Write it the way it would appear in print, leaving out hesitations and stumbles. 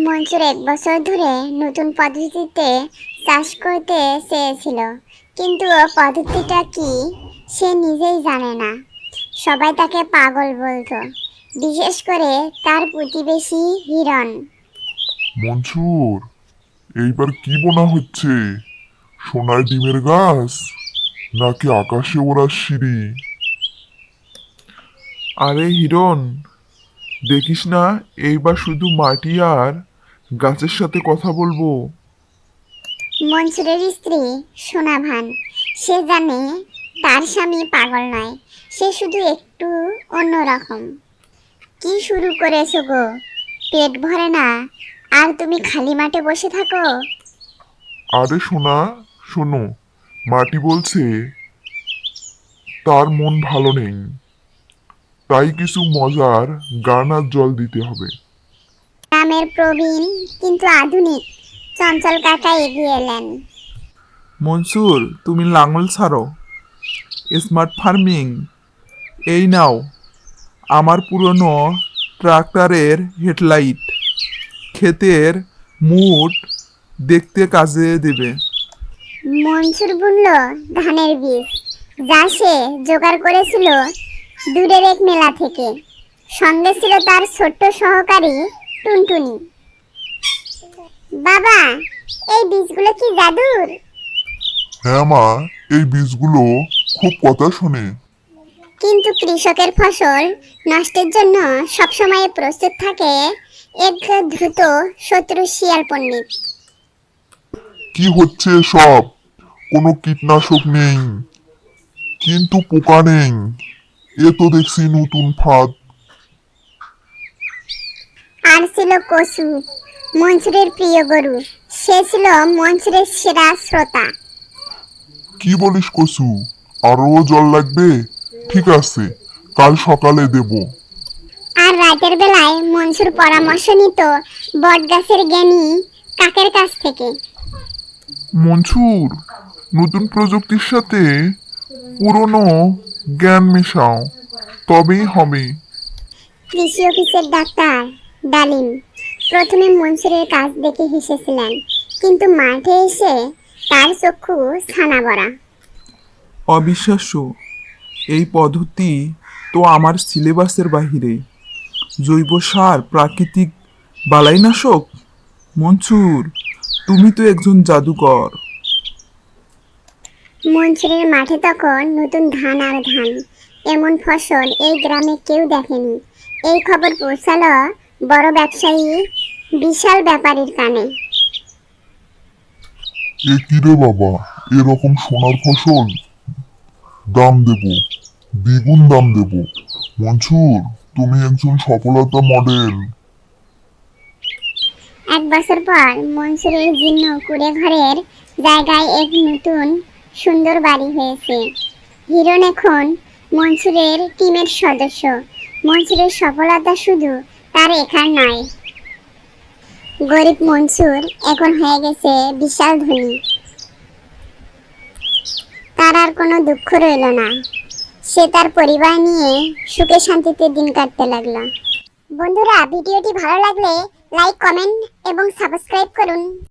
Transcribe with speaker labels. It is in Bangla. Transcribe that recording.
Speaker 1: মনসুর 1 বছর ধরে নতুন পদ্ধতিতে চাষ করতে চেয়েছিল, কিন্তু ও পদ্ধতিটা কি সে নিজেই জানে না। সবাই তাকে পাগল বলতো, বিশেষ করে তার প্রতিবেশী হিরণ।
Speaker 2: মনসুর, এইবার কি বোনা হচ্ছে? সোনার ডিমের গাছ নাকি আকাশে ওড়ার সিঁড়ি?
Speaker 3: আরে হিরণ, দেখিস না এইবার শুধু মাটি আর গাছের সাথে কথা বলবো।
Speaker 1: মনসুরের স্ত্রী সোনাভান, সে জানে তার স্বামী পাগল নয়, সে শুধু একটু অন্যরকম। কি শুরু করেছো গো? পেট ভরে না আর তুমি খালি মাঠে বসে থাকো?
Speaker 2: আরে সোনা, শোনো, মাটি বলছে তার মন ভালো নেই, তাই কিছু মজার গান আর জল দিতে হবে।
Speaker 1: গ্রামের প্রবীণ কিন্তু আধুনিক চঞ্চল কাকা এগিয়ে এলেন।
Speaker 3: মনসুর, তুমি লাঙল ছাড়ো, স্মার্ট ফার্মিং এই নাও আমার পুরনো ট্রাক্টরের হেডলাইট, ক্ষেতের মুট দেখতে কাজে দেবে।
Speaker 1: মনসুর বুনল ধানের বীজ, যা সে জোগাড় করেছিল দূরের এক মেলা থেকে। সঙ্গে ছিল তার ছোট্ট সহকারী টুনটুনি। বাবা, এই বীজগুলো কি জাদুর?
Speaker 2: হ্যাঁ মা, এই বীজগুলো খুব কথা শোনে।
Speaker 1: কিন্তু কৃষকের ফসল নষ্টের জন্য সবসময় প্রস্তুত থাকে এক দ্রুত শত্রু শিয়াল পণ্ডিত।
Speaker 2: কি হচ্ছে সব? কোনো কীটনাশক নেই, কিন্তু পোকা নেই। এ তো দেখছি নতুন ফাঁদ।
Speaker 1: আর ছিল কচু, মনসুরের প্রিয় গরু। সে ছিল মনসুরের সেরা শ্রোতা।
Speaker 2: কি বলিস কসু? আরো জল লাগবে? ঠিক আছে, কাল সকালে দেব।
Speaker 1: আর রাতের বেলায় মনসুর পরামর্শ নিত বটগাছের জ্ঞানী কাকের কাছ থেকে।
Speaker 2: মনসুর, নতুন প্রযুক্তির সাথে পুরনো জ্ঞান মেশাও, তবেই হবে।
Speaker 1: কৃষি অফিসের ডাক্তার ডালিম প্রথমে মনসুরের কাজ দেখে হেসেছিলেন, কিন্তু মাঠে এসে তার চক্ষু ছানা ভরা।
Speaker 3: অবিশ্বাস্য, এই পদ্ধতি তো আমার সিলেবাসের বাহিরে। জৈব সার, প্রাকৃতিক বালাইনাশক। মনসুর, তুমি তো একজন জাদুকর।
Speaker 1: মনসুরের মাঠে তখন নতুন ধান আর ধান। এমন ফসল এই গ্রামে কেউ দেখেনি। এই খবর পৌঁছালো বড় ব্যবসায়ী বিশাল ব্যাপারীর কানে।
Speaker 2: এ কি রে বাবা, এরকম সোনার ফসল? দাম দেব, দ্বিগুণ দাম দেব। মনসুর, তুমি একজন সফলতা মডেল।
Speaker 1: 1 বছর পর মনসুরের জীর্ণ কুঁড়ে ঘরের জায়গায় এক নতুন সুন্দর বাড়ি হয়েছে। হিরণ এখন মনসুরের টিমের সদস্য। মনসুরের সফলতা শুধু তার একার নয়, গরিব মনসুর এখন হয়ে গেছে বিশাল ধনী। তার আর কোনো দুঃখ রইল না। সে তার পরিবার নিয়ে সুখে শান্তিতে দিন কাটতে লাগলো। বন্ধুরা, ভিডিওটি ভালো লাগলে লাইক, কমেন্ট এবং সাবস্ক্রাইব করুন।